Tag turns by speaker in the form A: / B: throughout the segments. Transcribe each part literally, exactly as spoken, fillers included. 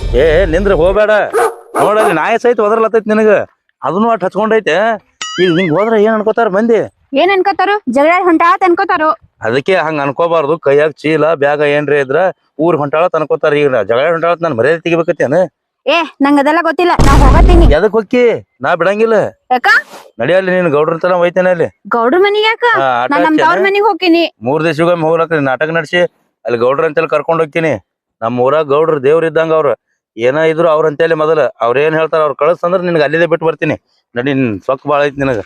A: ಏ ನಿಂದ್ರ ಹೋಗ್ಬೇಡ ನೋಡಲ್ಲಿ ನಾಯಿ ಸಹಿತ ಒದರ್ಲತ್ತೈತಿ ನಿನಗ ಅದನ್ನು ಅಟ್ ಹಚ್ಕೊಂಡೈತೆ ಈಗ ಹಿಂಗ್ ಹೋದ್ರ ಏನ್ ಅನ್ಕೋತಾರ ಮಂದಿ
B: ಏನ್ ಅನ್ಕೋತಾರು ಜಗಳ ಹೊಂಟಾತ್ ಅನ್ಕೋತಾರು
A: ಅದಕ್ಕೆ ಹಂಗ ಅನ್ಕೋಬಾರ್ದು ಕೈಯಾಗ ಚೀಲ ಬ್ಯಾಗ ಏನ್ರಿ ಇದ್ರ ಊರ್ ಹೊಂಟಾಳತ್ ಅನ್ಕೋತಾರ ಈಗ ಜಗಳ ಹೊಂಟಾಳತ್ ನಾನ್ ಮರ್ಯಾದೆ ತೆಗಿಬೇಕತ್ತೇನ
B: ಏ ನಂಗ ಅದೆಲ್ಲ ಗೊತ್ತಿಲ್ಲ ನಾ ಹೋಗತ್ತೀನಿ
A: ಎದಕ್ ಹೊಕ್ಕಿ ನಾ ಬಿಡಂಗಿಲ್ಲ
B: ಯಾಕ
A: ನಡಿಯಲ್ಲಿ ನೀನ್ ಗೌಡ್ರ ತನ ಒಯ್ತೇನೆ ಅಲ್ಲಿ
B: ಗೌಡ್ರ ಮನಿಗ್ ಯಾಕ ನಾ ನಮ್ ತವ್ರ ಮನಿಗ್ ಹೋಗ್ತೀನಿ
A: ಮೂರ್ ದಿವ್ಸಗೊಮ್ಮೆ ಹೋಗ್ಲಕ್ಕ ನಾಟಕ ನಡ್ಸಿ ಅಲ್ಲಿ ಗೌಡ್ರ ಅಂತೇಳಿ ಕರ್ಕೊಂಡ್ ಹೋಗ್ತೀನಿ ನಮ್ ಊರಾಗ ಗೌಡ್ರ ದೇವ್ರ ಇದ್ದಂಗ ಅವ್ರ ಏನ ಇದ್ರು ಅವ್ರ ಅಂತೇಳಿ ಮೊದಲ ಅವ್ರ ಏನ್ ಹೇಳ್ತಾರ ಅವ್ರ ಕಳ್ಸ ಅಂದ್ರ ನಿನ್ಗೆ ಅಲ್ಲಿದೆ ಬಿಟ್ಟು ಬರ್ತೀನಿ ನಡಿ ಸೊಕ್ ಬಾಳ ಐತಿ ನಿನಗ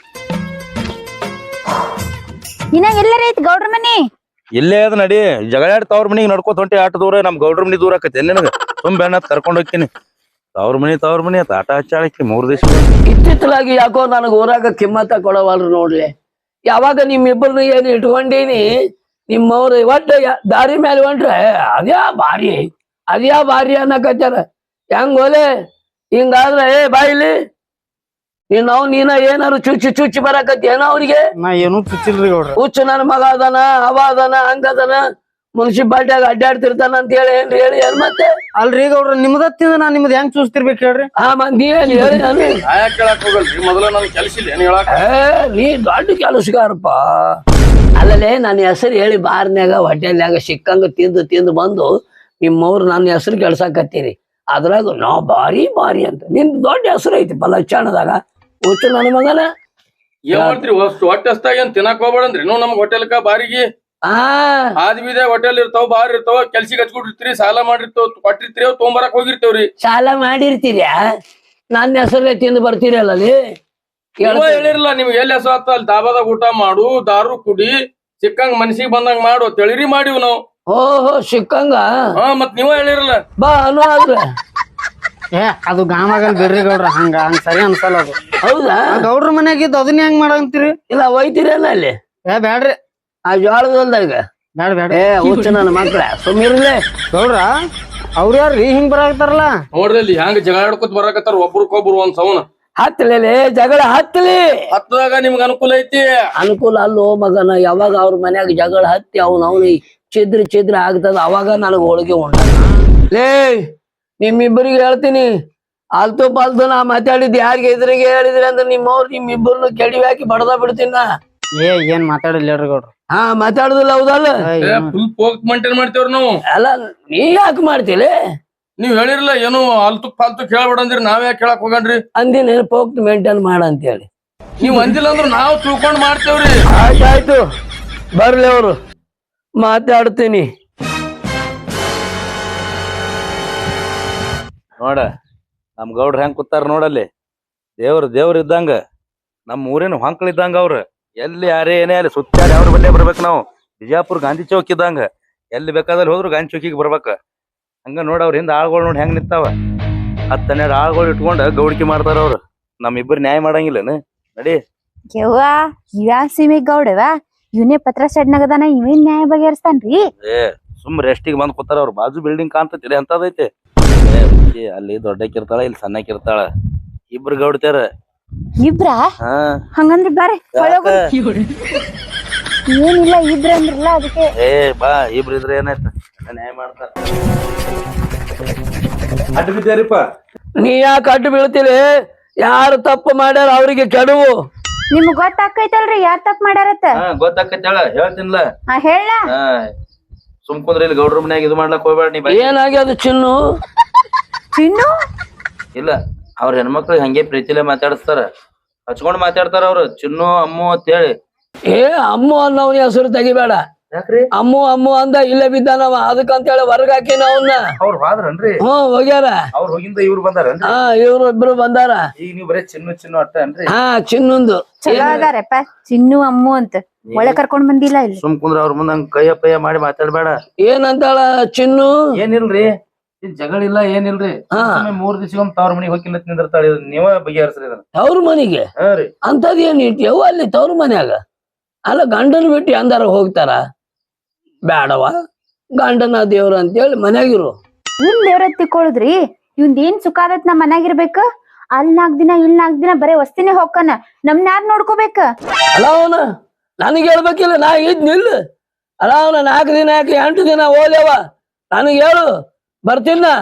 B: ಇನ್ನ ಎಲ್ಲರ ಐತಿ ಗೌಡ್ರ ಮನಿ
A: ಇಲ್ಲೇ ಅದ ನಡಿ ಜಗಳಾಡ್ ತವ್ರ ಮನಿಗ್ ನಡ್ಕೋತ ಹೊಂಟಿ ಆಟ ದೂರ ನಮ್ ಗೌಡ್ರ ಮನಿ ದೂರ ಆಕತಿ ನಿನಗ ತುಂಬ ಬೆಣ್ಣತ್ ಕರ್ಕೊಂಡ್ ಹೋಗ್ತೀನಿ ತವ್ರ ಮನಿ ತವ್ರ ಮನಿ ಆತ ಆಟ ಹಚ್ಚಾಳಕಿ ಮೂರ್ ದಿವ್ಸ
C: ಇತ್ತಿತ್ತಲಾಗಿ ಯಾಕೋ ನನಗ ಊರಾಗ ಕಿಮ್ಮತ್ತ ಕೊಡವಲ್ರು ನೋಡ್ಲಿ ಯಾವಾಗ ನಿಮ್ಮಿಬ್ಬರನ್ನ ಏನ್ ಇಟ್ಕೊಂಡೀನಿ ನಿಮ್ಮವ್ರ ಒಟ್ಟ ದಾರಿ ಮೇಲೆ ಹೊಂಟ್ರೆ ಅದ್ಯಾ ಭಾರಿ ಅದ್ಯಾ ಭಾರಿ ಅನ್ನಕತ್ತಾರ ಹೆಂಗ್ ಓಲೆ ಹಿಂಗಾದ್ರ ಏ ಬಾಯಿಲಿ ನೀನ್ ಅವ್ ನೀನ ಏನಾರು ಚುಚ್ಚಿ ಚುಚ್ಚಿ ಬರಾಕತ್ತಿ ಏನೋ ಅವ್ರಿಗೆ
D: ನಾ ಏನು ಚುಚ್ಚಿಲ್ರಿ ಗೌಡ್ರ
C: ಹುಚ್ಚು ನನ್ನ ಮಗ ಅದಾನ ಅವ ಅದಾನ ಹಂಗದನ ಮುನ್ಸಿಪಾಲ್ಟಿಯಾಗ ಅಡ್ಡಾಡ್ತಿರ್ತಾನ ಅಂತ ಹೇಳಿ ಏನ್ರಿ ಹೇಳಿ ಏನ್ ಮತ್ತೆ
D: ಅಲ್ರಿ ಗೌಡ್ರ ನಿಮ್ದ ತಿಂದ ನಾ ನಿಮ್ದ ಹೆಂಗ್ ಚೂಸ್ತಿರ್ಬೇಕು ಹೇಳ್ರಿ
C: ಆ ಮಂದಿ ಏನ್ ಹೇಳಿ ನಾನು
A: ಕೇಳಕ್ ಹೋಗಲ್ರಿ ಮೊದಲ ನನ್ ಕೆಲ್ಸ ಇಲ್ಲ ಏನ್ ಹೇಳಕ್
C: ಏ ನೀ ದೊಡ್ಡ ಕೆಲಸಗಾರಪ್ಪ ಅಲ್ಲಲೇ ನನ್ನ ಹೆಸರು ಹೇಳಿ ಬಾರ್ನ್ಯಾಗ ಹೊಟ್ಟೆಲ್ಯಾಗ ಸಿಕ್ಕಂಗ ತಿಂದು ತಿಂದು ಬಂದು ನಿಮ್ಮವ್ರು ನನ್ನ ಹೆಸರು ಕೆಲ್ಸಾಕತ್ತೀರಿ ಅದ್ರಾಗ ನಾ ಬಾರಿ ಬಾರಿ ಅಂತ ನಿನ್ ದೊಡ್ಡ ಹೆಸರು ಐತಿ ಲಕ್ಷಣದಾಗ ಹುಚ್ಚು ನನ್ನ ಮಗನ
E: ಏನ್ ಮಾಡ್ತೀರಿ ಹೊಟ್ಟೆ ಹಸ್ತಾಗ ಏನ್ ತಿನ್ನಕ್ ಹೋಗ್ಬೇಡಂದ್ರಿ ನೀವು ನಮ್ಗ್ ಹೋಟೆಲ್ಕ ಬಾರಿಗೆ
C: ಆ
E: ಆದ್ ಬೀದೆ ಹೋಟೆಲ್ ಇರ್ತಾವ ಬಾರ್ ಇರ್ತಾವ ಕೆಲ್ಸಿಗೆ ಹಚ್ಕೊಂಡಿರ್ತೀರಿ ಸಾಲ ಮಾಡಿರ್ತಾವ ಕೊಟ್ಟಿರ್ತೀರಿ ಅವ್ ತೊಗೊಂಬರಕ್ ಹೋಗಿರ್ತೇವ್ರಿ
C: ಸಾಲ ಮಾಡಿರ್ತೀರ್ಯಾ ನನ್ನ ಹೆಸರಲ್ಲೇ ತಿಂದು ಬರ್ತೀರಲ್ಲ ಅಲ್ಲಿ
E: ಹೇಳಿರಲ್ಲ ನಿಮ್ಗೆ ಎಲ್ಲಿ ಹೆಸರು ಆತ ಅಲ್ಲಿ ದಾಬಾದಾಗ ಊಟ ಮಾಡು ದಾರು ಕುಡಿ ಸಿಕ್ಕಂಗ್ ಮನ್ಸಿಗೆ ಬಂದಂಗ್ ಮಾಡು ತಿಳಿರಿ ಮಾಡಿವ್ ನಾವು
C: ಓಹೋ ಸಿಕ್ಕಂಗ
E: ಹಾ ಮತ್ ನೀವ ಹೇಳಿರಲ್ಲ
C: ಬಾ ಅನ್ನೋ ಆದ್ರೆ
D: ಏ ಅದು ಗಾಮಾಗಲ್ ಬಿಡ್ರಿ ಗೌಡ್ರ ಹಂಗ ಹಂಗ ಸರಿ ಅನ್ಸಲ್ಲ ಅದು
C: ಹೌದಾ
D: ಗೌಡ್ರ ಮನ್ಯಾಗಿದ್ದು ಅದನ್ನ ಹೆಂಗ್ ಮಾಡಂತೀರಿ
C: ಇಲ್ಲ ಒಯ್ತೀರೇನ ಅಲ್ಲಿ
D: ಏ ಬ್ಯಾಡ್ರಿ
C: ಆ ಜೋಳದಲ್ದಾಗ
D: ಬ್ಯಾಡ ಬ್ಯಾಡ
C: ಏ ಹುಚ್ಚ ನನ್ನ ಮಕ್ಳ ಸುಮ್ಮಿರ್ಲೆ
D: ಗೌಡ್ರ ಅವ್ರ ಯಾರ್ರಿ ಹಿಂಗ್ ಬರಾಕತ್ತಾರಲ್ಲ
E: ನೋಡ್ರಿ ಅಲ್ಲಿ ಹೆಂಗ್ ಜಗಳ ಆಡ್ಕೊತ ಬರಾಕತ್ತಾರ ಒಬ್ರಕೊಬ್ರು ಒಂದ್ ಸೌನ
C: ಹತ್ತಲೇ ಜಗಳ ಹತ್ತಲಿ
E: ಹತ್ತದಾಗ ನಿಮ್ಗ ಅನುಕೂಲ ಐತಿ
C: ಅನುಕೂಲ ಅಲ್ಲೋ ಮಗನ ಯಾವಾಗ ಅವ್ರ ಮನ್ಯಾಗ ಜಗಳ ಹತ್ತಿ ಅವ್ನ ಅವ್ನಿ ಚಿದ್ರ ಚಿದ್ರ ಆಗ್ತದ ಅವಾಗ ನನಗ್ ಹೋಳಿಗೆ ಉಂಟ ಲೇ ನಿಮ್ಮಿಬ್ಬರಿಗೆ ಹೇಳ್ತೀನಿ ಆಲ್ತು ಪಾಲ್ತು ನಾ ಮಾತಾಡಿದ್ ಯಾರಿಗೆ ಎದುರಿಗೆ ಹೇಳಿದ್ರಿ ಅಂದ್ರೆ ನಿಮ್ಮವ್ರು ನಿಮ್ಮಿಬ್ಬರನ್ನು ಕೆಡಿವಿ ಹಾಕಿ ಬಡದ ಬಿಡ್ತೀನ
D: ಏ ಏನ್ ಮಾತಾಡಿಲ್ಲ ಹೇಳ್ರಿ ಗೌಡ್ರ
C: ಹಾ ಮಾತಾಡುದಿಲ್ಲ ಹೌದಲ್ಲ
E: ಫುಲ್ ಪೋಕ್ ಮೇಂಟೈನ್ ಮಾಡ್ತೇವ್ರಿ ನಾವು
C: ಅಲ್ಲ ನೀ ಯಾಕೆ ಮಾಡ್ತೀಲಿ
E: ನೀವ್ ಹೇಳಿರಲ್ಲ ಏನು ಅಲ್ತು ಫಾಲ್ತು ಕೇಳ್ಬೇಡಂದ್ರಿ ನಾವ್ ಯಾಕೆ ಕೇಳಕ್ ಹೋಗಣ್ರಿ
C: ಅಂದಿನ ಪೋಕ್ಟ್ ಮೇಂಟೈನ್ ಮಾಡಂತೇಳಿ
E: ನೀವ್ ಅಂದಿಲ್ಲ ಅಂದ್ರ ನಾವ್ ತಿಳ್ಕೊಂಡ್ ಮಾಡ್ತೇವ್ರಿ
C: ಆಯ್ತಾಯ್ತು ಬರ್ಲಿ ಅವರು ಮಾತಾಡ್ತೀನಿ
A: ನೋಡ ನಮ್ ಗೌಡ್ರ ಹೆಂಗ್ ಕೂತಾರ ನೋಡಲ್ಲಿ ದೇವ್ರ ದೇವ್ರ ಇದ್ದಂಗ ನಮ್ ಊರಿನ ಹೊಂಕ್ಳ ಇದ್ದಂಗ ಅವ್ರ ಎಲ್ಲಿ ಯಾರೇ ಏನೇ ಅಲ್ಲಿ ಸುತ್ತಾಡಿ ಅವ್ರ ಬಲ್ಲೇ ಬರ್ಬೇಕು ನಾವು ಬಿಜಾಪುರ್ ಗಾಂಧಿ ಚೌಕ್ ಇದ್ದಂಗ ಎಲ್ಲಿ ಬೇಕಾದಲ್ಲಿ ಹೋದ್ರು ಗಾಂಧಿ ಚೌಕಿಗೆ ಬರ್ಬೇಕ ಹಂಗ ನೋಡ ಅವ್ರ ಹಿಂದ ಆಳ್ಗಳು ನೋಡಿ ಹೆಂಗ್ ನಿಂತಾವ ಹತ್ತು ಹನ್ನೆರಡು ಆಳ್ಗಳು ಇಟ್ಕೊಂಡ ಗೌಡಿಕೆ ಮಾಡ್ತಾರ ಅವ್ರು ನಮ್ ಇಬ್ಬರು ನ್ಯಾಯ ಮಾಡಂಗಿಲ್ಲನ ನಡಿ
B: ಯವ್ವ ಇವ್ಯಾ ಸೀಮಿಗ್ ಗೌಡವ ಇವನೇ ಪತ್ರ ಸೆಡ್ನಾಗದಾನ ಇವೇನ್ ನ್ಯಾಯ ಬಗೆಹರಿಸ್ತಾನ್ರಿ
A: ಏ ಸುಮ್ ರೆಸ್ಟಿಗೆ ಬಂದ್ ಕೂತಾರ ಅವ್ರ ಬಾಜು ಬಿಲ್ಡಿಂಗ್ ಕಾಣ್ತೈತಿ ಅಂತದೈತೆ ಏ ಅಲ್ಲಿ ದೊಡ್ಡಕ್ಕಿರ್ತಾಳ ಇಲ್ಲಿ ಸಣ್ಣಕ್ಕಿರ್ತಾಳ ಇಬ್ರು ಗೌಡ್ತಾರ
B: ಇಬ್ರ
A: ಹಾ
B: ಹಂಗಂದ್ರ ಬಾರೆ ಏನಿಲ್ಲ ಇಬ್ರ ಅಂದ್ರಲ್ಲ ಅದಕ್ಕೆ
A: ಏ ಬಾ ಇಬ್ರು ಇದ್ರೆ ಏನಾಯ್ತ ನ್ಯಾಯ ಮಾಡ್ತಾರ ಅಡ್ಡ ಬಿದ್ದಾರಿಪ್ಪ
C: ನೀ ಯಾಕೆ ಅಡ್ಡು ಬೀಳ್ತೀರಿ ಯಾರು ತಪ್ಪು ಮಾಡ್ಯಾರ ಅವ್ರಿಗೆ ಕೆಡುವು
B: ನಿಮ್ಗ್ ಗೊತ್ತಾಕೈತಲ್ರಿ ಯಾರ್ ತಪ್ಪ ಮಾಡ್ಯಾರತ್ತ
A: ಹಾ ಗೊತ್ತಾಕೈತಾಳ ಹೇಳ್ತೀನಿಲ್ಲ
B: ಹಾ ಹೇಳ
A: ಹಾ ಸುಮ್ಕುಂದ್ರ ಇಲ್ಲಿ ಗೌಡ್ರ ಮನ್ಯಾಗ ಇದು ಮಾಡ್ಲಕ್ ಹೋಗ್ಬೇಡ ನೀ ಬಾ.
C: ಏನಾಗ್ಯದ ಚಿನ್ನು
B: ಚಿನ್ನು
A: ಇಲ್ಲ ಅವ್ರ ಹೆಣ್ಮಕ್ಳಿಗೆ ಹಂಗೆ ಪ್ರೀತಿಲೇ ಮಾತಾಡಿಸ್ತಾರ ಹಚ್ಕೊಂಡ್ ಮಾತಾಡ್ತಾರ ಅವ್ರು ಚಿನ್ನು ಅಮ್ಮು ಅಂತ ಹೇಳಿ
C: ಏ ಅಮ್ಮು ಅನ್ನೋನ್ ಹೆಸರು ತೆಗಿಬೇಡ
A: ಯಾಕ್ರಿ
C: ಅಮ್ಮು ಅಮ್ಮು ಅಂದ ಇಲ್ಲೇ ಬಿದ್ದಾನವ ಅದಕ್ಕಂತ ಹೇಳಿ ಹೊರಗ ಹಾಕಿನ ಅವನ್ನ
A: ಅವ್ರು ಹೋದ್ರನ್ರಿ
C: ಹ್ಮ್ ಹೋಗ್ಯಾರ
A: ಅವ್ರ ಹೋಗಿಂದ ಇವ್ರು ಬಂದಾರನ್ರಿ
C: ಹಾ ಇವ್ರು ಇಬ್ರು ಬಂದಾರ
A: ಈಗ ನೀವ್ ಬರೀ ಚಿನ್ನು ಚಿನ್ನು ಅಟ್ಟ ಅನ್ರಿ
C: ಹಾ ಚಿನ್ನೊಂದು
B: ಚಲೋ ಅದಾರಪ್ಪ ಚಿನ್ನು ಅಮ್ಮು ಅಂತ ಒಳ್ಳೆ ಕರ್ಕೊಂಡ್ ಬಂದಿಲ್ಲ ಇಲ್ಲಿ
A: ಸುಮ್ ಕುಂದ್ರ ಅವ್ರ ಮುಂದ ಹಂಗ ಕೈಯ ಪಯ್ಯ ಮಾಡಿ ಮಾತಾಡ್ಬೇಡ
C: ಏನಂತಾಳ ಚಿನ್ನು
A: ಏನಿಲ್ರಿ ಇದ್ ಜಗಳ ಇಲ್ಲ ಏನಿಲ್ರಿ
C: ಹಾ.
A: ಸುಮ್ನೆ ಮೂರ್ ದಿವ್ಸಗೊಮ್ಮೆ ತವ್ರ ಮನಿಗ್ ಹೋಗಿಲ್ಲ ನಿಂದಿರ್ತಾಳ ಇದನ್ನ ನೀವ ಬಗೆಹರಿಸ್ರಿ ಇದನ್ನ
C: ತವ್ರ ಮನಿಗೆ
A: ಹಾ ರೀ
C: ಅಂತದ್ ಏನ್ ಇಟ್ಯವ ಅಲ್ಲಿ ತವ್ರ ಮನ್ಯಾಗ ಅಲ್ಲ ಗಂಡನ ಬಿಟ್ಟು ಅಂದಾರ ಹೋಗ್ತಾರ ಬ್ಯಾಡವ ಗಂಡನ ದೇವ್ರ ಅಂತೇಳಿ ಮನ್ಯಾಗಿರು
B: ಇನ್ ದೇವ್ರ ತಿಕ್ಕೊಳ್ಳುದ್ರಿ ಇವ್ನ್ ಏನ್ ಸುಖ ಆದತ್ ನಮ್ ಮನ್ಯಾಗಿರ್ಬೇಕ ಅಲ್ ನಾಕ್ ದಿನ ಇಲ್ ನಾಕ್ ದಿನ ಬರೇ ವಸ್ತಿನೇ ಹೋಗ್ಕನ ನಮ್ನ ಯಾರ್ ನೋಡ್ಕೋಬೇಕ
C: ಅಲ್ಲ ಅವನ ನನಗೆ ಹೇಳ್ಬೇಕಿಲ್ಲ ನಾ ಇದ್ ನಿಲ್ಲ ಅಲ್ಲ ಅವನ ನಾಲ್ಕು ದಿನ ಯಾಕೆ ಎಂಟು ದಿನ ಓದ್ಯವ ನನಗೆ ಹೇಳು ಬರ್ತೀನ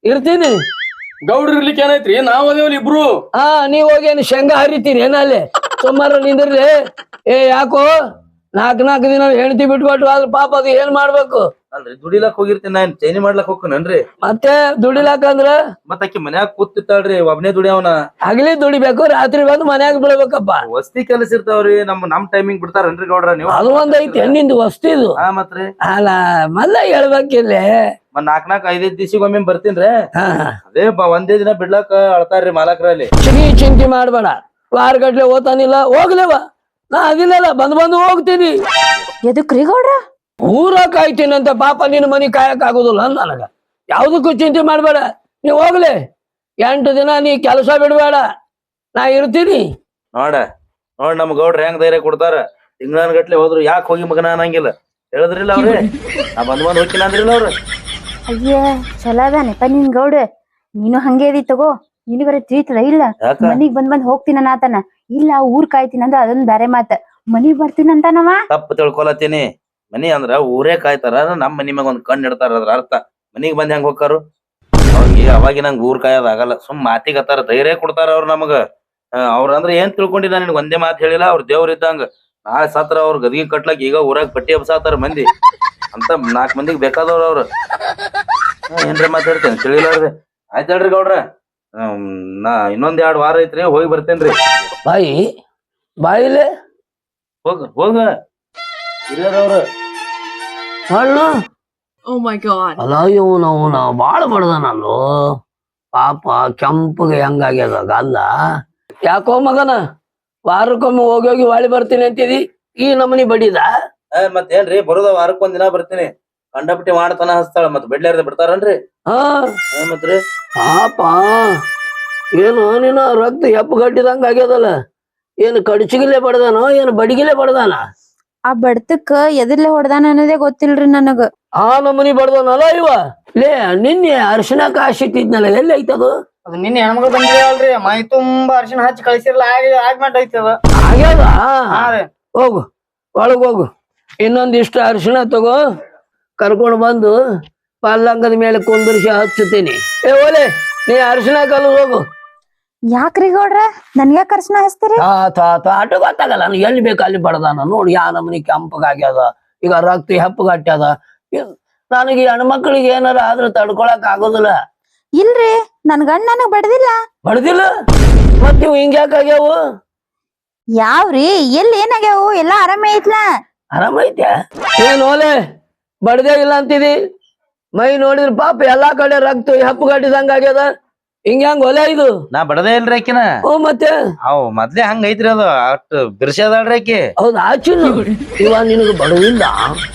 C: ಇರ್ತೀನಿ.
E: ಗೌಡ್ರ ಇರ್ಲಿಕ್ಕೆ ಏನೈತ್ರಿ ನಾವ್ ಅದೇವಲ್ಲ ಇಬ್ರು.
C: ಹಾ ನೀವ್ ಹೋಗೇನು ಶೇಂಗಾ ಹರಿತೀರಿ ಏನಲ್ಲಿ ಸುಮಾರು ನಿಂದಿರ್ಲಿ. ಏ ಯಾಕೋ ನಾಲ್ಕ್ ನಾಲ್ಕು ದಿನ ಹೆಂಡತಿ ಬಿಟ್ಬಿಟ್ಟು ಆದ್ರ ಪಾಪ ಅದು ಏನ್ ಮಾಡ್ಬೇಕು?
A: ಅಲ್ರಿ ದುಡಿಲಾಕ್ ಹೋಗಿರ್ತೀನಿ ನಾನ್ ಚೈನಿ ಮಾಡ್ಲಾಕ್ ಹೋಗ್ಕೇನನ್ರಿ.
C: ಮತ್ತೆ ದುಡಿಲಾಕಂದ್ರ
A: ಮತ್ತ ಆಕಿ ಮನ್ಯಾಗ ಕೂತಿರ್ತಾಳ್ರಿ ಒಬ್ನೇ ದುಡಿಯವನ.
C: ಹಗಲಿ ದುಡಿಬೇಕು, ರಾತ್ರಿ ಬಂದು ಮನ್ಯಾಗ ಬಿಡ್ಬೇಕಪ್ಪ.
A: ವಸ್ತಿ ಕೆಲಸ ಇರ್ತಾವ್ರಿ, ನಮ್ ನಮ್ ಟೈಮಿಂಗ್ ಬಿಡ್ತಾರನ್ರಿ ಗೌಡ್ರ ನೀವು?
C: ಅದು ಒಂದ್ ಐತಿ ಹೆಣ್ಣಿಂದು ವಸ್ತಿದು.
A: ಹಾ ಮತ್ರಿ
C: ಅಲ್ಲ ಮಲ್ಲ ಹೇಳ್ಬೇಕಿಲ್ಲ.
A: ಮತ್ ನಾಕ್ ನಾಕ್ ಐದೈದ್ ದಿವಸಿಗೊಮ್ಮೆ ಬರ್ತೀನ್ರಿ.
C: ಹಾ
A: ಅದೇ ಬ ಒಂದೇ ದಿನ ಬಿಡ್ಲಾಕ ಅಳ್ತಾರ್ರಿ ಮಾಲಕ್ರಲ್ಲಿ.
C: ಚಿಗಿ ಚಿಂತೆ ಮಾಡ್ಬೇಡ, ವಾರ ಗಟ್ಲೆ ಓದ್ತಾನಿಲ್ಲ ಹೋಗ್ಲೇವ, ನಾ ಅದಿಲ್ಲಲ್ಲ ಬಂದ್ ಬಂದು ಹೋಗ್ತೀನಿ.
B: ಎದಕ್ರಿ ಗೌಡ್ರ?
C: ಊರ ಕಾಯ್ತೀನಿ ಅಂತ ಪಾಪ ನಿನ್ನ ಮನಿ ಕಾಯಕ್ ಆಗುದಿಲ್ಲ ನನಗ. ಯಾವ್ದಕ್ಕೂ ಚಿಂತೆ ಮಾಡ್ಬೇಡ, ನೀ ಹೋಗ್ಲಿ. ಎಂಟು ದಿನ ನೀ ಕೆಲಸ ಬಿಡ್ಬೇಡ, ನಾ ಇರ್ತೀನಿ.
A: ನೋಡ ನೋಡ್ ನಮ್ ಗೌಡ್ರ ಹೆಂಗ್ ಧೈರ್ಯ ಕೊಡ್ತಾರ. ತಿಂಗಳನ್ ಗಟ್ಲೆ ಹೋದ್ರು ಯಾಕೆ ಹೋಗಿ ಮಗನ ಅನ್ನಂಗಿಲ್ಲ. ಹೇಳಿದ್ರಿಲ್ಲ ಅವ್ರಿ ನಾ ಬಂದ್ ಬಂದ್ ಹೋಗಿನ ಅಂದ್ರಿಲ್ಲ ಅವ್ರು.
B: ಅಯ್ಯ ಚಲೋ ಅದಾನೆಪ್ಪ ನಿನ್ ಗೌಡ. ನೀನು ಹಂಗೆ ಅದಿ ತಗೋ, ನಿನಗರ ತಿಳಿತದ ಇಲ್ಲ?
A: ಯಾಕ?
B: ಮನಿಗ್ ಬಂದ್ ಬಂದ್ ಹೋಗ್ತೀನ ಆತನ. ಇಲ್ಲ ಊರ್ ಕಾಯ್ತೀನಿ ಅಂದ್ರ ಅದೊಂದ್ ಬ್ಯಾರೆ ಮಾತ. ಮನಿಗ್ ಬರ್ತೀನಿ ಅಂತಾನವ.
A: ತಪ್ಪು ತಿಳ್ಕೊಲತ್ತೀನಿ. ಮನಿ ಅಂದ್ರ ಊರೇ ಕಾಯ್ತಾರ, ನಮ್ ಮನಿ ಮ್ಯಾಗ ಒಂದ್ ಕಣ್ಣು ಇಡ್ತಾರ ಅದ್ರ ಅರ್ಥ. ಮನಿಗ್ ಬಂದ್ ಹೆಂಗ್ ಹೋಗ್ತಾರು ಅವ್ರಿಗೆ? ಅವಾಗಿ ನಂಗೆ ಊರ್ ಕಾಯೋದ್ ಆಗಲ್ಲ. ಸುಮ್ ಮಾತಿಗತ್ತಾರ, ಧೈರ್ಯ ಕೊಡ್ತಾರ ಅವ್ರ ನಮಗ. ಅವ್ರ ಅಂದ್ರ ಏನ್ ತಿಳ್ಕೊಂಡಿಲ್ಲ, ನಿನ್ಗೆ ಒಂದೇ ಮಾತು ಹೇಳಿಲ್ಲ. ಅವ್ರ ದೇವ್ರ ಇದ್ದಂಗ. ನಾಳೆ ಸತ್ರ ಅವ್ರ ಗದಿಗೆ ಕಟ್ಲಕ್ ಈಗ ಊರಾಗ ಪಟ್ಟಿ ಹಬ್ಸಾತಾರ ಮಂದಿ ಅಂತ. ನಾಲ್ಕ್ ಮಂದಿಗ್ ಬೇಕಾದವ್ರ ಅವ್ರ. ಏನ್ರ ಮಾತಾಡ್ತೇನೆ ತಿಳಿಲಾರ್ದೆ. ಆಯ್ತ್ ಹೇಳ್ರಿ ಗೌಡ್ರ, ಹ್ಮ್ ನಾ ಇನ್ನೊಂದ್ ಎರಡ್ ವಾರ ಐತ್ರಿ, ಹೋಗಿ ಬರ್ತೇನ್ರಿ.
C: ಬಾಯಿ ಬಾಯಿಲೆ
A: ಹೋಗ ಹೋಗ ಹಿರಿಯರವ್ರ
C: ಹಣ್ಣು.
F: Oh my god.
C: ಅಲ್ಲ ಇವನು ಅವನ ಬಾಳ ಬಡ್ದ ನಾನು ಪಾಪ. ಕೆಂಪಗೆ ಹೆಂಗಾಗ್ಯದ ಅಲ್ಲ ಯಾಕೋ ಮಗನ? ವಾರಕ್ಕೊಮ್ಮೆ ಹೋಗಿ ಹೋಗಿ ವಾಳಿ ಬರ್ತೀನಿ ಅಂತಿದಿ, ಈ ನಮನಿ ಬಡಿದ.
A: ಮತ್ತೇನ್ರಿ ಬರೋದ ವಾರಕ್ ಒಂದ್ ದಿನ ಬರ್ತೀನಿ. ಕಂಡಪಟ್ಟಿ ಮಾಡ್ತಾನ ಹಸ್ತಾಳ, ಮತ್ ಬಿಡ್ಲಾರ್ದ ಬಿಡ್ತಾರನ್ರಿ?
C: ಹಾ
A: ಮತ್ರಿ
C: ಪಾಪ ಏನು ನೀನು ರಕ್ತ ಹೆಪ್ಪು ಗಟ್ಟಿದಂಗ ಆಗ್ಯದಲ್ಲ. ಏನು ಕಡಚಿಗಿಲೆ ಬಡ್ದಾನೋ ಏನು ಬಡಿಗಿಲೆ ಬಡ್ದಾನ?
B: ಆ ಬಡ್ತಕ್ಕ ಎದರ್ಲೆ ಹೊಡ್ದಾನ ಅನ್ನೋದೇ ಗೊತ್ತಿಲ್ರಿ ನನಗ.
C: ಆ ನಮನಿ ಬಡ್ದಾನಲ್ಲ ಇವ. ಲೇ ನಿನ್ನೆ ಅರ್ಶಿನ ಕಾಶಿಟ್ಟಿದ್ನಲ್ಲ, ಎಲ್ಲಿ ಐತದು?
D: ಅದು ನಿನ್ನೆ ಹೆಣ್ಮಗಳು ಬಂದಿರಲ್ರಿ, ಮೈ ತುಂಬಾ ಅರ್ಶಿನ ಹಚ್ಚಿ ಕಳಿಸಿರ್ಲ ಆಗಿ ಆಗ್ಮೆಂಟ್ ಐತದ.
C: ಆಗ್ಯದ?
D: ಹಾ ರೀ.
C: ಹೋಗು ಒಳಗ್ ಹೋಗು, ಇನ್ನೊಂದಿಷ್ಟು ಅರಿಶಿಣ ತಗೋ, ಕರ್ಕೊಂಡು ಬಂದು ಪಲ್ಲಂಗದ ಮೇಲೆ ಕುಂದರ್ಸಿ ಹಚ್ಚುತ್ತೀನಿ. ಏ ಓಲೆ ನೀ ಅರಿಶಿಣ ಕಲ್ಲು ಹೋಗು.
B: ಯಾಕ್ರಿ ಗೌಡ್ರ ನನ್ಗ್ಯಾಕ ಅರ್ಶನ ಹಚ್ತೀರಿ?
C: ತಾ ತಾ ತಾ ಆಟೋ ಗೊತ್ತಾಗಲ್ಲ, ನಾನು ಎಲ್ಲಿ ಬೇಕು ಅಲ್ಲಿ ಬಡದಾನ ನೋಡಿ. ಯಾ ನಮನಿ ಕೆಂಪಗಾಗ್ಯದ, ಈಗ ರಕ್ತ ಹೆಪ್ಪಗಟ್ಟ್ಯದ. ನನಗೆ ಈ ಹೆಣ್ಮಕ್ಳಿಗೆ ಏನಾರ ಆದ್ರೆ ತಡ್ಕೊಳಕ್ ಆಗೋದಿಲ್ಲ.
B: ಇಲ್ರಿ ನನ್ ಗಂಡ ನನಗ್ ಬಡ್ದಿಲ್ಲ.
C: ಬಡ್ದಿಲ್ಲ? ಮತ್ ನೀವು ಹಿಂಗ್ಯಾಕಾಗ್ಯಾವು?
B: ಯಾವ್ರಿ ಎಲ್ಲಿ ಏನಾಗ್ಯಾವು? ಎಲ್ಲಾ ಆರಾಮೇ ಐತ್ಲಾ?
C: ಆರಾಮೈತೆ? ಏನ್ ಓಲೆ ಬಡ್ದೇ ಇಲ್ಲ ಅಂತಿದಿ? ಮೈ ನೋಡಿದ್ರ ಪಾಪ ಎಲ್ಲಾ ಕಡೆ ರಕ್ತ ಹೆಪ್ಪಗಟ್ಟಿದಂಗ ಆಗ್ಯದ. ಹಿಂಗ್ಯಾಂಗ ಒಲೆ ಇದು?
A: ನಾ ಬಡದೇ ಇಲ್ರಿ ಆಕಿನ.
C: ಓ ಮತ್ತೆ
A: ಅವ್ ಮೊದ್ಲೇ ಹಂಗ ಐತ್ರಿ, ಅದು ಅಷ್ಟ್ ಬಿರ್ಸದಾಳ್ರಿ ಆಕಿ.
C: ಹೌದ್ ಆಚಿನ ಇವ ನಿನಗ ಬಡವಿಲ್ಲ?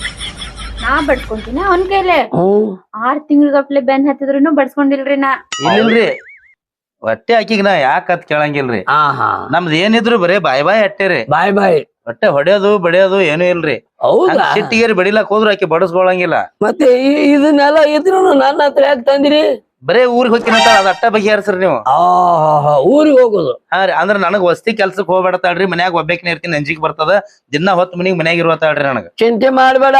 B: ನಾ ಬಡ್ಸ್ಕೊಂತೀನ ಅವನ್ ಕೈಲೆ.
C: ಹ್ಮ್
B: ಆರ್ ತಿಂಗಳಗಪ್ಲೆ ಬೆನ್ ಹತ್ತಿದ್ರು ಬಡ್ಸ್ಕೊಂಡಿಲ್ರಿ ನಾ.
A: ಇಲ್ಲಿಲ್ರಿ ಹೊಟ್ಟೆ ಆಕಿಗ್ ನಾ ಯಾಕತ್ ಕೇಳಂಗಿಲ್ರಿ.
C: ಹಾ ಹಾ
A: ನಮ್ದ್ ಏನಿದ್ರು ಬರೇ ಬಾಯ್ ಬಾಯ್ ಅಟ್ಟೇರಿ.
C: ಬಾಯ್ ಬಾಯ್
A: ಹೊಟ್ಟೆ ಹೊಡೆಯೋದು ಬಡಿಯೋದು ಏನು ಇಲ್ರಿ.
C: ಹೌದಾ?
A: ಸಿಟ್ಟಿಗೇರಿ ಬಡಿಲಾಕ್ ಹೋದ್ರು ಆಕಿ ಬಡಸ್ಕೊಳಂಗಿಲ್ಲ.
C: ಮತ್ತೆ ಈ- ಇದನ್ನೆಲ್ಲ ಇದ್ರು ನನ್ನ ಹತ್ರ ಯಾಕೆ ತಂದಿರಿ?
A: ಬರೇ ಊರಿಗೆ ಹೋಗಿನ ಅದ ಅಟ್ಟ ಬಗೆಹರಿಸ್ರಿ ನೀವು.
C: ಆ ಊರಿಗೆ ಹೋಗುದು?
A: ಹಾ ರೀ, ಅಂದ್ರ ನನಗ್ ವಸ್ತಿ ಕೆಲ್ಸಕ್ ಹೋಗ್ಬೇಡತಾಳ್ರಿ, ಮನ್ಯಾಗ ಒಬ್ಬೇಕಿನ ಇರ್ತೀನಿ, ಅಂಜಿಕ್ ಬರ್ತದ. ದಿನ ಹೊತ್ತು ಮನಿಗ್ ಮನ್ಯಾಗ ಇರುವತ್ತಾಳ್ರಿ ನನಗ.
C: ಚಿಂತೆ ಮಾಡ್ಬೇಡ,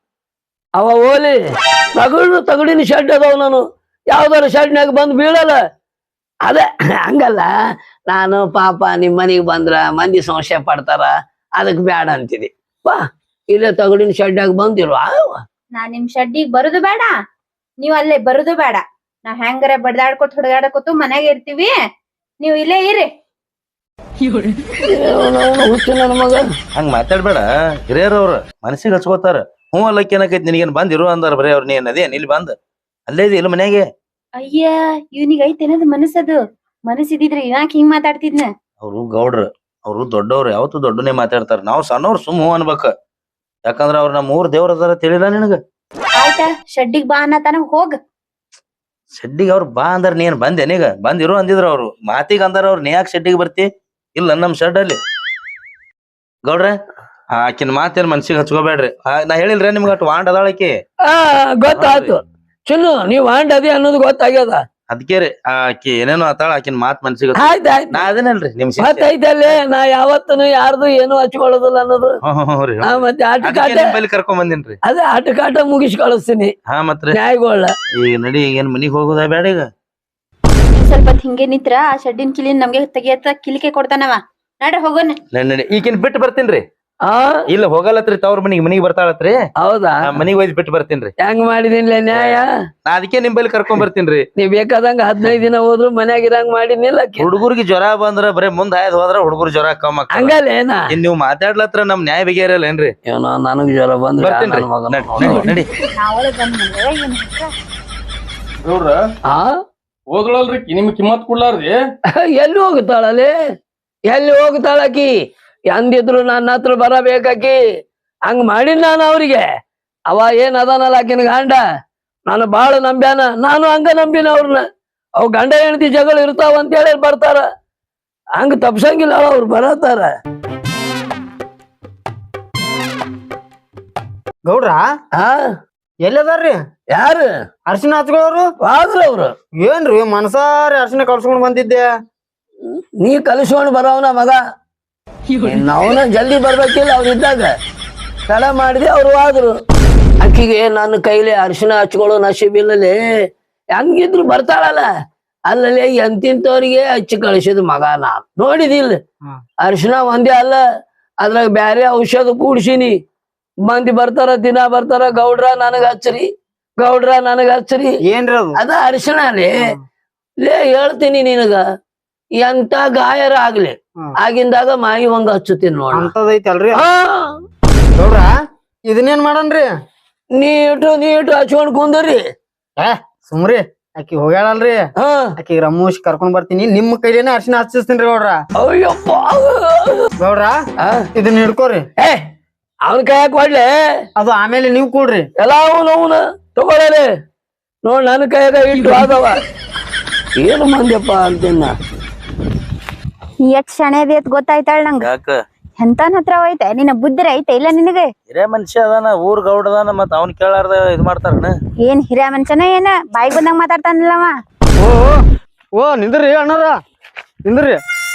C: ಅವ ಓಲಿ ತಗಡು ತಗಡಿನ ಶೆಡ್ ಅದಾವ, ನಾನು ಯಾವ್ದಾರ ಶೆಡ್ನಾಗ ಬಂದು ಬೀಳಲ್ಲ. ಅದೇ ಹಂಗಲ್ಲ, ನಾನು ಪಾಪ ನಿಮ್ ಮನಿಗ್ ಬಂದ್ರ ಮಂದಿ ಸಂಶಯ ಪಡ್ತಾರ, ಅದಕ್ ಬ್ಯಾಡ ಅಂತಿದಿ. ಬಾ ಇಲ್ಲೇ ತಗಡಿನ ಶೆಡ್ನಾಗ ಬಂದಿರುವ.
B: ನಾ ನಿಮ್ ಶೆಡ್ಡಿಗ್ ಬರುದು ಬೇಡ, ನೀವ್ ಅಲ್ಲೇ ಬರುದು ಬೇಡ. ನಾವ್ ಹೆಂಗಾರ ಬಡ್ದಾಡ್ಕೊತ ಹೊಡ್ದಾಡ್ಕೊತ ಮನ್ಯಾಗ ಇರ್ತೀವಿ, ನೀವ್ ಇಲ್ಲೇ ಇರಿ.
C: ಹುಚ್ಚು ನನ್ನ ಮಗ.
A: ಹಂಗ ಮಾತಾಡ್ಬೇಡ, ಹಿರಿಯರವ್ರ ಮನಸ್ಸಿಗೆ ಹಚ್ಕೋತಾರ. ಹ್ಞೂ ಅಲ್ಲಕ್ಕೆ ಏನಕೈತಿ ನಿನಗೇನ್ ಬಂದ್ ಇರು ಅಂದಾರ ಬರೀ ಅವ್ರ. ನೀ ಅದೇನ್ ಇಲ್ಲಿ ಬಂದ್ ಅಲ್ಲೇ ಇದೆ ಇಲ್ಲ ಮನ್ಯಾಗೆ?
B: ಅಯ್ಯ ಇವ್ನಿಗ್ ಐತೆನದ ಮನಸ್ಸದು. ಮನಸ್ಸಿದ್ರೆ ಯಾಕೆ ಹಿಂಗ್ ಮಾತಾಡ್ತಿದ್ನ?
A: ಅವ್ರು ಗೌಡ್ರ, ಅವ್ರು ದೊಡ್ಡವ್ರು, ಯಾವತ್ತು ದೊಡ್ಡನೇ ಮಾತಾಡ್ತಾರ. ನಾವ್ ಸಣ್ಣವ್ರು ಸುಮ್ ಹ್ಞೂ ಅನ್ಬೇಕ. ಯಾಕಂದ್ರ ಅವ್ರ ನಮ್ಮ ಊರ್ ದೇವ್ರ ಅದಾರ ತಿಳಿಲ್ಲ ನಿನಗ?
B: ಆಯ್ತಾ ಶೆಡ್ಡಿಗ್ ಬಾ ಅನ್ನತಾನ, ಹೋಗ್.
A: ಶೆಡ್ಡಿಗೆ ಅವ್ರು ಬಾ ಅಂದಾರ, ನೀನ್ ಬಂದೆ ನೀಗ ಬಂದ್ ಇರು ಅಂದಿದ್ರ ಅವ್ರು. ಮಾತಿಗೆ ಅಂದಾರ ಅವ್ರು, ನೀ ಯಾಕೆ ಶೆಡ್ಡಿಗೆ ಬರ್ತಿ? ಇಲ್ಲ ನಮ್ ಶೆಡ್ ಅಲ್ಲಿ. ಗೌಡ್ರ ಆಕಿನ ಮಾತೇನ್ ಮನ್ಸಿಗೆ ಹಚ್ಕೋಬೇಡ್ರಿ. ನಾ ಹೇಳಿಲ್ರಿ ನಿಮ್ಗ ಅಟ್ ವಾಂಡ್ ಅದಾಳಕಿ.
C: ಆ ಗೊತ್ತಾಯ್ತು ಚಿನ್ನು, ನೀವ್ ವಾಂಡ್ ಅದಿ ಅನ್ನೋದು ಗೊತ್ತಾಗ್ಯದ.
A: ಅದಕ್ಕೆ ರೀ ಆಕಿ ಏನೇನೋ ಆತಾಳ ಆಕಿನ ಮಾತ್ ಮನ್ಸಿಗೆ
C: ಆಯ್ತ್ ಆಯ್ತ್
A: ನಾ ಅದೇನಲ್ರಿ ನಿಮ್ ಶಿಷ್ಯ.
C: ಮತ್ತೈತಲ್ಲೇ ನಾ ಯಾವತ್ತನು ಯಾರ್ದು ಏನು ಹಚ್ಕೊಳ್ಳೋದಿಲ್ಲ ಅನ್ನೋದು
A: ಹ್ಮ್ ಹ್ಮ್ ಹ್ಮ್ ರೀ
C: ಹಾ, ಮತ್ತೆ ಆಟ
A: ಅದಕ್ಕೆ
C: ಕಾಟ
A: ನಿಮ್ ಬಲ್ಲಿ ಕರ್ಕೊಂಡ್ ಬಂದಿನ್ರಿ.
C: ಅದೇ ಆಟ ಕಾಟ ಮುಗಿಸ್ ಕಳಿಸ್ತೀನಿ
A: ಹಾ ಮತ್ರಿ
C: ನ್ಯಾಯಗೊಳ್ಳ.
A: ಈಗ ನಡಿ ಏನ್ ಮನಿಗ್ ಹೋಗುದಾ ಬೇಡ ಈಗ?
B: ನೀವ್ ಸ್ವಲ್ಪ ಹೊತ್ ಹಿಂಗೆ ನಿತ್ರ ಆ ಶೆಡ್ಡಿನ ಕಿಲಿನ್ ನಮ್ಗೆ ತೆಗಿಯತ್ತ ಕಿಲಿಕೆ ಕೊಡ್ತಾನವ. ನಡ್ರಿ ಹೋಗೋಣ.
A: ನಡಿ ನಡಿ ಈಕಿನ್ ಬಿಟ್ಟು ಬರ್ತೀನ್ರಿ.
C: ಆ
A: ಇಲ್ಲ ಹೋಗಲ್ಲತ್ರಿ ತವ್ರ ಮನಿಗ್ ಮನಿಗ್ ಬರ್ತಾಳತ್ರಿ.
C: ಹೌದಾ
A: ಮನಿಗ್ ಒಯ್ದ್ ಬಿಟ್ಟು ಬರ್ತೀನ್ರಿ.
C: ಹೆಂಗ್ ಮಾಡಿದಿನ್ಲೆ ನ್ಯಾಯ?
A: ನಾ ಅದಕ್ಕೆ ನಿಮ್ ಬಲ್ಲಿ ಕರ್ಕೊಂಡ್ ಬರ್ತೀನ್ರಿ.
C: ನೀವ್ ಬೇಕಾದಂಗ ಹದಿನೈದು ದಿನ ಹೋದ್ರು ಮನ್ಯಾಗ ಇರಂಗ್ ಮಾಡಿನಿಲ್ಲ ಆಕಿ.
A: ಹುಡುಗರಿಗೆ ಜ್ವರ ಬಂದ್ರ ಬರೇ ಮುಂದ್ ಹಾಯ್ದ್ ಹೋದ್ರ ಹುಡುಗರು ಜ್ವರ ಕಮ್ಮ ಆಗ್ತಾವ.
C: ಹಂಗಲ್ಲೇನ
A: ಇನ್ ನೀವ್ ಮಾತಾಡ್ಲತ್ರ ನಮ್ ನ್ಯಾಯ ಬಗೆಹರಲ್ಲ ಏನ್ರಿ?
C: ಏನೋ ನನಗ್ ಜ್ವರ ಬಂದ್ರೆ
A: ಬರ್ತೀನ್ರಿ ನಡಿ, ನಡಿ, ನಡಿ.
B: ನಾವಳೆ ಬಂದ್ಮೇಲೆ ಏನ್
E: ನೋಡ್ರ
C: ಆ
E: ಹೋದ್ಳಲ್ರಿ ನಿಮ್ ಕಿಮ್ಮತ್ ಕೊಡ್ಲಾರ್ರಿ.
C: ಎಲ್ಲಿ ಹೋಗ್ತಾಳಲ್ಲಿ ಎಲ್ಲಿ ಹೋಗ್ತಾಳಕಿ? ಎಂದಿದ್ರು ನನ್ನ ಹತ್ರ ಬರಬೇಕಾಕಿ. ಹಂಗ ಮಾಡಿನ ನಾನು ಅವ್ರಿಗೆ. ಅವ ಏನ್ ಅದಾನಲ್ಲ ಆಕಿನ ಗಂಡ ನಾನು ಬಾಳ ನಂಬ್ಯಾನ, ನಾನು ಹಂಗ ನಂಬಿನ ಅವ್ರನ್ನ. ಅವ್ ಗಂಡ ಹೆಂಡತಿ ಜಗಳ ಇರ್ತಾವ ಅಂತ ಹೇಳಿ ಬರ್ತಾರ. ಹಂಗ ತಪ್ಸಂಗಿಲ್ಲ ಅವ್ರು ಬರತಾರ.
D: ಗೌಡ್ರ
C: ಹಾ
D: ಎಲ್ಲದಾರ್ರಿ
C: ಯಾರು
D: ಅರ್ಶಿನ ಹಚ್ಕೊಳ್ಳೋರು?
C: ಆದ್ರ ಅವ್ರು
D: ಏನ್ರಿ ಮನ್ಸಾರಿ ಅರ್ಶಿನ ಕಳ್ಸ್ಕೊಂಡ್ ಬಂದಿದ್ದೆ.
C: ನೀ ಕಲಿಸ್ಕೊಂಡ್ ಬರವನ ಮಗ. ಅವನ ಜಲ್ದಿ ಬರ್ಬೇಕಿಲ್ಲ ಅವ್ರ ಇದ್ದಾಗ ತಡ ಮಾಡಿದೆ ಅವ್ರು ಆದ್ರು. ಅಕ್ಕಿಗೆ ನನ್ನ ಕೈಲಿ ಅರಿಶಿನ ಹಚ್ಕೊಳ್ಳೋ ನಶೀಬಿಲ್ಲಲ್ಲಿ ಹೆಂಗಿದ್ರು ಬರ್ತಾಳಲ್ಲ. ಅಲ್ಲಲ್ಲಿ ಎಂತಿಂತವ್ರಿಗೆ ಹಚ್ಚಿ ಕಳಿಸಿದ ಮಗ ನಾ ನೋಡಿದಿಲ್ಲ. ಅರಿಶಿನ ಒಂದೇ ಅಲ್ಲ, ಅದ್ರಾಗ ಬ್ಯಾರೆ ಔಷಧ ಕೂಡ್ಸಿನಿ. ಮಂದಿ ಬರ್ತಾರ, ದಿನ ಬರ್ತಾರ, ಗೌಡ್ರ ನನಗ ಹಚ್ಚ್ರಿ, ಗೌಡ್ರ ನನಗ ಹಚ್ಚ್ರಿ.
D: ಏನ್ರಿ ಅದು?
C: ಅದ ಅರಿಶಿನ ಲೇ ಲೇ ಹೇಳ್ತೀನಿ ನಿನಗ, ಎಂತ ಗಾಯರ ಆಗ್ಲಿ ಆಗಿಂದಾಗ ಮಾಯಿ ಒಂದ್ ಹಚ್ಚುತ್ತೀನಿ ನೋಡ.
D: ಅಂತದೈತಿ ಅಲ್ರಿ
C: ಹಾ
D: ಗೌಡ್ರ. ಇದನ್ನೇನ್ ಮಾಡನ್ರಿ?
C: ನೀಟು ನೀಟು ಹಚ್ಕೊಂಡ್ ಕುಂದ್ರಿ.
D: ಏ ಸುಮ್ರಿ, ಆಕಿ ಹೋಗ್ಯಾಳಲ್ರಿ,
C: ಹಾ
D: ಆಕಿ ರಮೂಶ್ ಕರ್ಕೊಂಡ್ ಬರ್ತೀನಿ. ನಿಮ್ ಕೈಲೇನೆ ಅರ್ಶಿನ ಹಚ್ಚಿಸ್ತೀನಿ ಗೌಡ್ರ.
C: ಅಯ್ಯಪ್ಪ
D: ಗೌಡ್ರ ಇದನ್ನ ಹಿಡ್ಕೋರಿ.
C: ಏ ಅವನ್ ಕೈಯಾಗ ಕೊಡ್ಲೆ,
D: ಅದು ಆಮೇಲೆ ನೀವ್ ಕೂಡ್ರಿ.
C: ಎಲ್ಲ ಅವನು ಅವನ ತಗೊಳ್ಳಲೆ. ನೋಡ್ ನನ್ನ ಕೈಯಾಗ ಇಟ್ಟು ಆದವ. ಏನು ಮಂದ್ಯಪ್ಪ ಅಂತಿನ್ನ.
B: ಎಷ್ಟ್ ಶಣೆದಿ ಅಂತ ಗೊತ್ತಾಯ್ತಾಳ ನಂಗ.
A: ಯಾಕ
B: ಎಂತನ್ ಹತ್ರ ಹೋಯ್ತೆ ನಿನ್ನ ಬುದ್ಧಿ ಐತೆ ಇಲ್ಲ ನಿನಗೆ?
A: ಹಿರೇ ಮನುಷ್ಯ ಅದಾನ, ಊರ್ ಗೌಡ ಅದಾನ, ಮತ್ ಅವ್ನ್ ಕೇಳಾರ್ದ ಇದ್ ಮಾಡ್ತಾರನ?
B: ಏನ್ ಹಿರಿಯ ಮನುಷ್ಯನ ಏನ ಬಾಯಿಗೆ ಬಂದಂಗ ಮಾತಾಡ್ತಾನಲ್ಲವ.
D: ಓ ಓ ನಿಂದ್ರಿ ಅಣ್ಣಾರ, ನಿಂದ್ರಿ.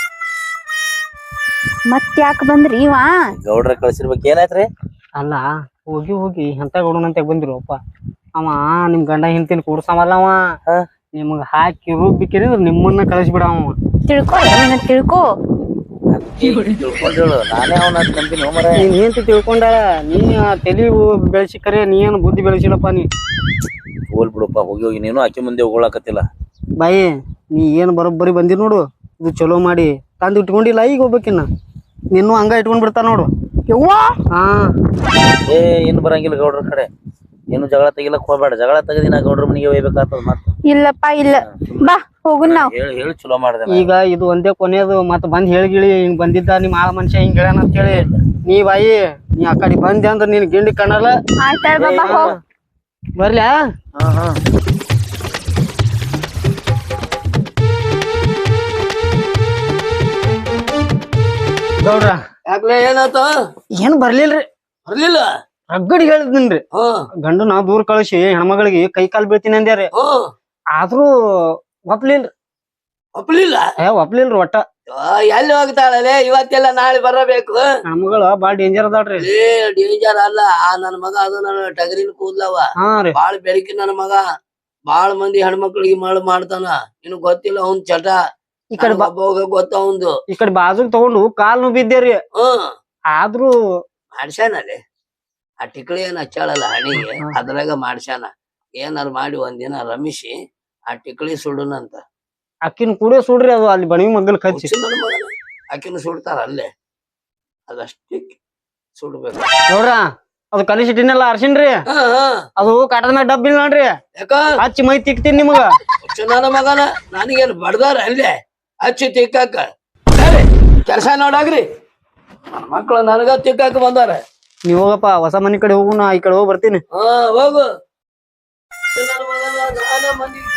B: ಮತ್ ಯಾಕ ಬಂದ್ರಿ ಇವ?
A: ಗೌಡ್ರ ಕಳ್ಸಿರ್ಬೇಕ್ ಏನಾಯ್ತ್ರಿ?
D: ಅಲ್ಲ ಹೋಗಿ ಹೋಗಿ ಎಂತ ಗೌಡನಂತ ಬಂದಿರು ಅಪ್ಪ. ಅವ ನಿಮ್ ಗಂಡ ಹಿಂತಿನ ಕೂಡ್ಸಮಲ್ಲ ಅವ. ನಿಮ್ಗ ಹಾಕಿ ರುಬ್ಬಿಕಿರಿ ನಿಮ್ಮನ್ನ ಕಳಿಸ್ಬಿಡವ.
B: ತಿಳ್ಕೊ ನೀನ ತಿಳ್ಕೊ.
A: ತಿಳ್ಕೊಂಡೇಳು, ನಾನೇ ಅವನ ನಂಬಿನಿ ಹೋಮರ.
D: ನೀನ್ ಹೆಂತಿ ತಿಳ್ಕೊಂಡಾಳ, ನೀ ತಲಿ ಬೆಳೆಸಿ ಕರೆ, ನೀ ಏನು ಬುದ್ಧಿ ಬೆಳೆಸಿಲ್ಲಪ್ಪ. ನೀ
A: ಹೋಲ್ ಬಿಡಪ್ಪ, ಹೋಗಿ ಹೋಗಿ ನೀನು ಆಕಿ ಮುಂದೆ ಹೋಗ್ಲಾಕತ್ತಿಲ್ಲ.
D: ಬಾಯಿ ನೀ ಏನ್ ಬರೋಬ್ಬರಿ ಬಂದಿ ನೋಡು. ಇದು ಚಲೋ ಮಾಡಿ ತಂದು ಇಟ್ಕೊಂಡಿಲ್ಲ. ಈಗ ಹೋಗ್ಬೇಕಿನ್ನ ನಿನ್ನೂ ಹಂಗ ಇಟ್ಕೊಂಡ್ ಬಿಡ್ತಾರ ನೋಡು.
B: ಯವ್ವಾ
D: ಹಾ
A: ಏ ಇನ್ ಬರಂಗಿಲ್ಲ ಗೌಡ್ರ ಕಡೆ. ಏನು ಜಗಳ ತೆಗಿಲಕ್ ಹೋಗ್ಬೇಡ. ಜಗಳ ತೆಗದಿ ನಾ ಗೌಡ್ರ ಮನಿಗೆ ಹೋಗ್ಬೇಕಾಗ್ತದ. ಮತ್ತ
B: ಇಲ್ಲಪ್ಪ ಇಲ್ಲ, ಬಾ ಹೋಗುನ್ ನಾವ್.
A: ಹೇಳಿ ಹೇಳಿ ಚಲೋ ಮಾಡ್ದೆ.
D: ಈಗ ಇದು ಒಂದೇ ಕೊನೆಯದು. ಮತ್ ಬಂದ್ ಹೇಳಿಗಿಳಿ ಹಿಂಗ್ ಬಂದಿದ್ದ ನಿಮ್ ಆ ಮನುಷ್ಯ ಹಿಂಗ್ ಹೇಳ್ಯಾನ ಅಂತ ಹೇಳಿ ನೀ ಬಾಯಿ ನೀ ಆ ಕಡೆ ಬಂದೆ ಅಂದ್ರ ನೀನ್ ಗಿಂಡಿ ಕಣ್ಣಲ್ಲ.
B: ಆಯ್ತಾಳ ಬಾಬಾ ಹೋಗ್.
D: ಬರ್ಲ್ಯಾ?
A: ಹಾ ಹಾ
D: ಗೌಡ್ರ
C: ಯಾಕ್ಲೆ ಏನಾತ?
D: ಏನ್ ಬರ್ಲಿಲ್ರಿ.
C: ಬರ್ಲಿಲ್ಲ?
D: ರಗ್ಗಡಿ ಹೇಳಿದ್ನ್ರಿ.
C: ಹ್ಮ್
D: ಗಂಡು ನಾ ದೂರ ಕಳಿಸಿ ಹೆಣ್ಮಗಳಿಗೆ ಕೈ ಕಾಲ್ ಬೀಳ್ತೀನಿ ಅಂದ್ಯಾರಿ.
C: ಹ್ಮ್
D: ಆದ್ರೂ ಒಪ್ಲಿಲ್ರಿ.
C: ಒಪ್ಲಿಲ್ಲ?
D: ಏ ಒಪ್ಲಿಲ್ರಿ ಒಟ್ಟ.
C: ಎಲ್ಲಿ ಹೋಗ್ತಾಳಲೆ? ಇವತ್ತೆಲ್ಲ ನಾಳೆ ಬರಬೇಕು.
D: ನಮ್ಗಳ ಬಾಳ್ ಡೇಂಜರ್ ಅದಾಳ್ರಿ.
C: ಏ ಡೇಂಜರ್ ಅಲ್ಲ, ಆ ನನ್ ಮಗ ಅದು ನನ್ನ ಟಗರಿನ ಕೂದ್ಲವ.
D: ಹಾ ರೀ.
C: ಬಾಳ್ ಬೆಳಕಿ ನನ್ನ ಮಗ. ಬಾಳ್ ಮಂದಿ ಹೆಣ್ಮಕ್ಳಿಗೆ ಮಳ್ ಮಾಡ್ತಾನ. ನಿನಗ್ ಗೊತ್ತಿಲ್ಲ ಅವ್ನ್ ಚಟ.
D: ಈ ಕಡೆ ಬಾ,
C: ಹೋಗ ಗೊತ್ತ ಅವಂದು.
D: ಈ ಕಡೆ ಬಾಜುಗ್ ತಗೊಂಡು ಕಾಲ್ ಬಿದ್ದೇರಿ.
C: ಹ್ಮ್
D: ಆದ್ರೂ
C: ಮಾಡ್ಸ್ಯಾನಲ್ಲಿ ಆ ಟಿಕ್ಳಿ ಏನ್ ಹಚ್ಚಾಳಲ್ಲ ಹಣಿಗೆ, ಅದ್ರಾಗ ಮಾಡ್ಸ್ಯಾನ. ಏನಾರು ಮಾಡಿ ಒಂದಿನ ರಮಿಸಿ ಆ ಟಿಕ್ಳಿ ಸುಡುನಂತ.
D: ಅಕ್ಕಿನ ಕೂಡ ಸುಡ್ರಿ, ಅದು ಅಲ್ಲಿ ಬಣವಿ ಮಗ್ಗಲ್ ಕಚ್ಚಿ.
C: ಆಕಿನ ಸುಡ್ತಾರ ಅಲ್ಲೇ, ಅದಷ್ಟೇ ಸುಡ್ಬೇಕು.
D: ನೋಡ್ರ ಅದು ಕಲಿಸಿಟ್ಟಿನಲ್ಲ ಅರ್ಶಿನ್ರಿ,
C: ಹಾ ಹಾ
D: ಅದು ಕಾಟದ ಮ್ಯಾಗ ಡಬ್ಬ ಇಲ್ಲ ನೋಡ್ರಿ.
C: ಯಾಕ
D: ಹಚ್ಚಿ ಮೈ ತಿಕ್ತೀನಿ ನಿಮಗ.
C: ನನ್ನ ಮಗನ ನನಗೇನು ಬಡ್ದಾರ ಅಲ್ಲೇ ಹಚ್ಚಿ ತಿಕ್ಕಾಕ. ಕೆಲಸ ನೋಡಾಗ್ರಿ, ಮಕ್ಳು ನನಗ ತಿಕ್ಕಾಕ ಬಂದಾರ.
D: ನೀವ್ ಹೋಗಪ್ಪ, ಹೊಸ ಮನಿ ಕಡೆ ಹೋಗು, ನಾ ಈ ಕಡೆ ಹೋಗಿ ಬರ್ತೀನಿ.
C: ಹಾ ಹೋಗು. ನನ್ನ ಮಗನ ನಾನ ಮಂದಿ